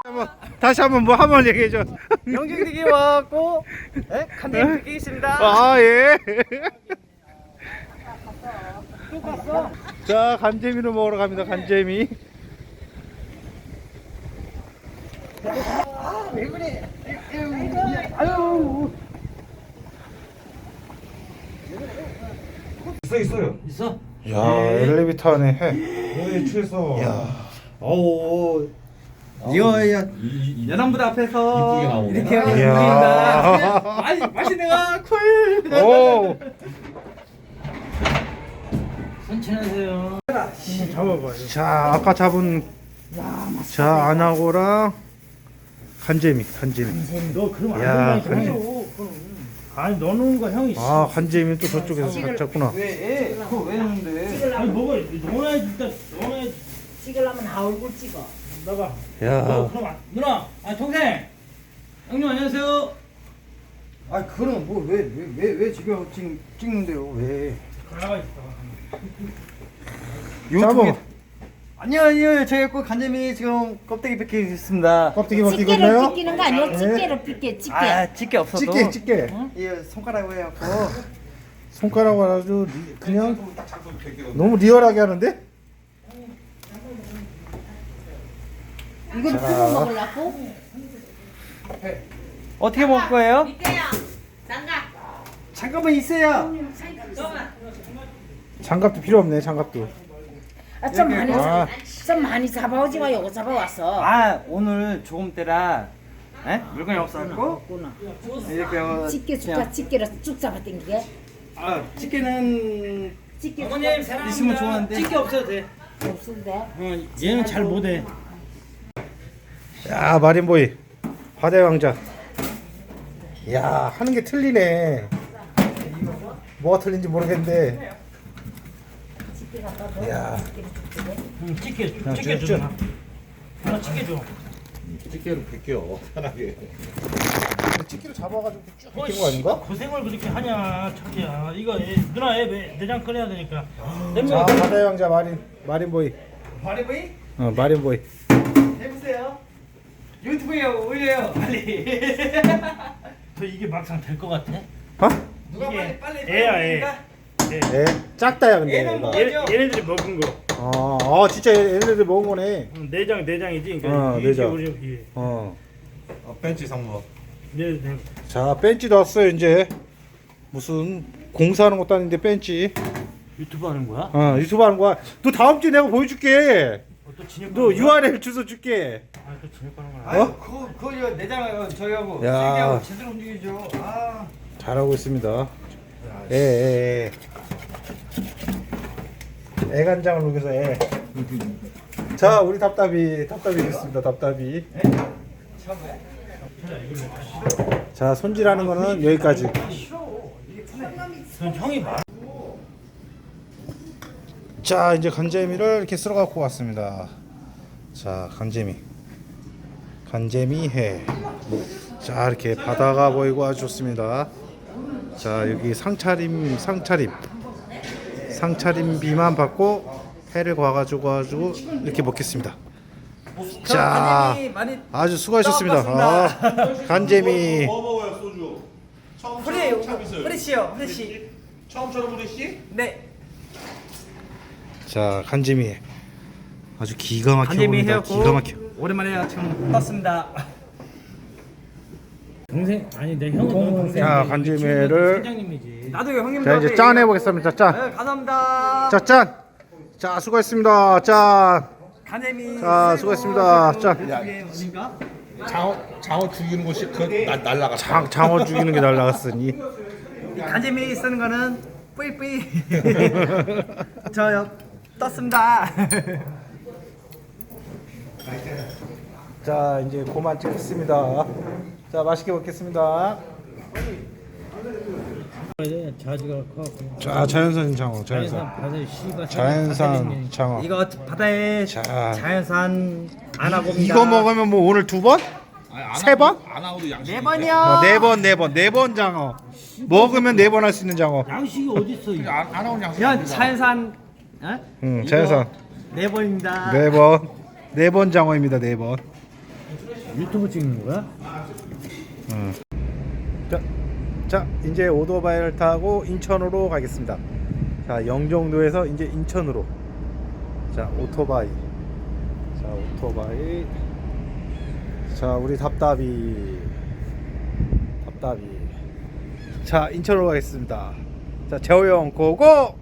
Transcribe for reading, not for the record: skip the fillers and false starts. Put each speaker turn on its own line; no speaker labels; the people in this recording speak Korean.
다시 한번 뭐 한번 얘기해줘.
영종되기 와갖고 간장이 되게 있습니다.
아 예.
또 갔어?
자 간재미를 먹으러 갑니다. 간재미.
왜 그래? 아유.
있어요.
있어?
야 엘리베이터 안에 해.
뭐에 취해서.
야.
오. 이거 연안부대 앞에서
이쁘게 나오네.
이렇게 하면
이야.
보인다. 맛있는 거 쿨.
오.
천천하세요.
잡아봐요. 자 아까 잡은 자 안하고랑 간재미.
너 그럼
야,
안 된다니까. 아니 넣는 거 형이
아 간재미 또 저쪽에서 잡구나.
왜? 그거 왜 했는데?
아니 뭐가 넣어야지 일단 넣어야지.
찍으려면 아 얼굴 찍어.
나가.
야.
그럼 누나, 아 동생, 형님 안녕하세요.
아 그럼 뭐 왜 지금 찍는데요? 왜?
나가 있어.
유튜브
아니요 저희 꼭 간재미 지금 껍데기 뺏기겠습니다.
껍데기
집게로
벗기겠나요?
찢기는 거 아니야? 집게로 삐게 집게.
아 집게 없어도
집게.
이 손가락으로 해갖고
손가락 아주 그냥 너무 리얼하게 하는데?
이건 구워 먹으려고?
어떻게 먹을 거예요?
밑에요. 장갑.
잠깐만 있어요.
장갑도 필요 없네. 장갑도.
좀 많이
아.
좀 많이 잡아오지 마. 요거 잡아왔어.
아 오늘 조금 때라 물건이 없어갖고
없구나.
이렇게 하고
집게 줄까? 집게로 쭉 잡아 당기게.
아 집게는
집게
어머님
있으면 좋아하는데.
찍기 없어도 돼.
없는데.
얘는 잘 못해.
야 마린보이 바다의 왕자. 야 하는 게 틀리네. 뭐가 틀린지 모르겠는데.
집게 갖다
야.
찍게 줘. 하나 찍게 줘.
집게로 벗겨 편하게.
집기로 잡아가지고 쭉 벗긴 거 아닌가?
고생을 그렇게 하냐, 자기야. 이거 누나 애 내장 끓여야 되니까.
자
냄새.
바다의 왕자 마린보이.
마리보이
마린보이.
해보세요. 유튜브에 올려요 빨리.
저 이게 막상 될 것 같아?
어?
누가
이게
빨리
애야, 애.
먹으니까?
네 작다야 근데.
얘는
얘가.
뭐-
얘네들이 먹은 거.
진짜 얘네들 먹은 거네.
내장이지. 그러니까 이게
내장.
우리 이게.
벤치 상무.
네.
자 벤치도 왔어요 이제. 무슨 공사하는 것도 아닌데 벤치.
유튜브 하는 거야?
유튜브 하는 거야. 너 다음 주에 내가 보여줄게.
또 진입.
너 URL 주소 줄게.
또 진입하는 거야.
아유 그거 내장 저희하고
야.
세계하고 제대로 움직이죠. 아
잘하고 있습니다. 애 애간장을 녹여서 애. 자 우리 답답이 됐습니다. 답답이. 자 손질하는 거는 여기까지.
전 형이 말.
자 이제 간재미를 이렇게 썰어 갖고 왔습니다. 자 간재미 해. 자 이렇게 바다가 보이고 아주 좋습니다. 자 여기 상차림 비만 받고 회를 과가지고 이렇게 먹겠습니다. 자
간재미 많이
아주 수고하셨습니다. 간재미.
뭐 먹어요 소주?
프레시요 프레시.
처음처럼 우리씨?
네.
자 간재미 아주 기가 막혀
간재미
보인다.
해갖고
기가 막혀.
오랜만에 지금 떴습니다.
동생 아니 내 형은 동생.
자 간재미를
사장님이지.
나도 형님.
자 이제 짠 해보겠습니다. 짠.
네, 감사합니다.
자 짠. 자 수고했습니다. 짠.
간재미.
자, 수고했습니다. 자.
어딘가?
장어 죽이는 곳이 날라가.
장어 죽이는 게 날라갔으니.
간재미 쓰는 거는 뿌이뿌이. 저요 떴습니다.
자 이제 그만 찍겠습니다. 자 맛있게 먹겠습니다.
자지가 커갖고.
자 자연산 장어.
바다에 씨가.
자연산 장어.
이거 바다에
자.
자연산 안하고입니다.
이거 먹으면 뭐 오늘 두 번? 세 번?
안 하고도 양식.
4번이요.
네 번 장어. 먹으면 4번 할 수 있는 장어.
양식이 어디 있어?
안 하고는 양식.
야 자연산.
자연산.
4번입니다.
4번. 4번 장어입니다. 4번.
유튜브 찍는 거야?
자, 이제 오토바이를 타고 인천으로 가겠습니다. 자, 영종도에서 이제 인천으로. 자, 오토바이. 자, 오토바이. 자, 우리 답답이. 자, 인천으로 가겠습니다. 자, 재호 형 고고!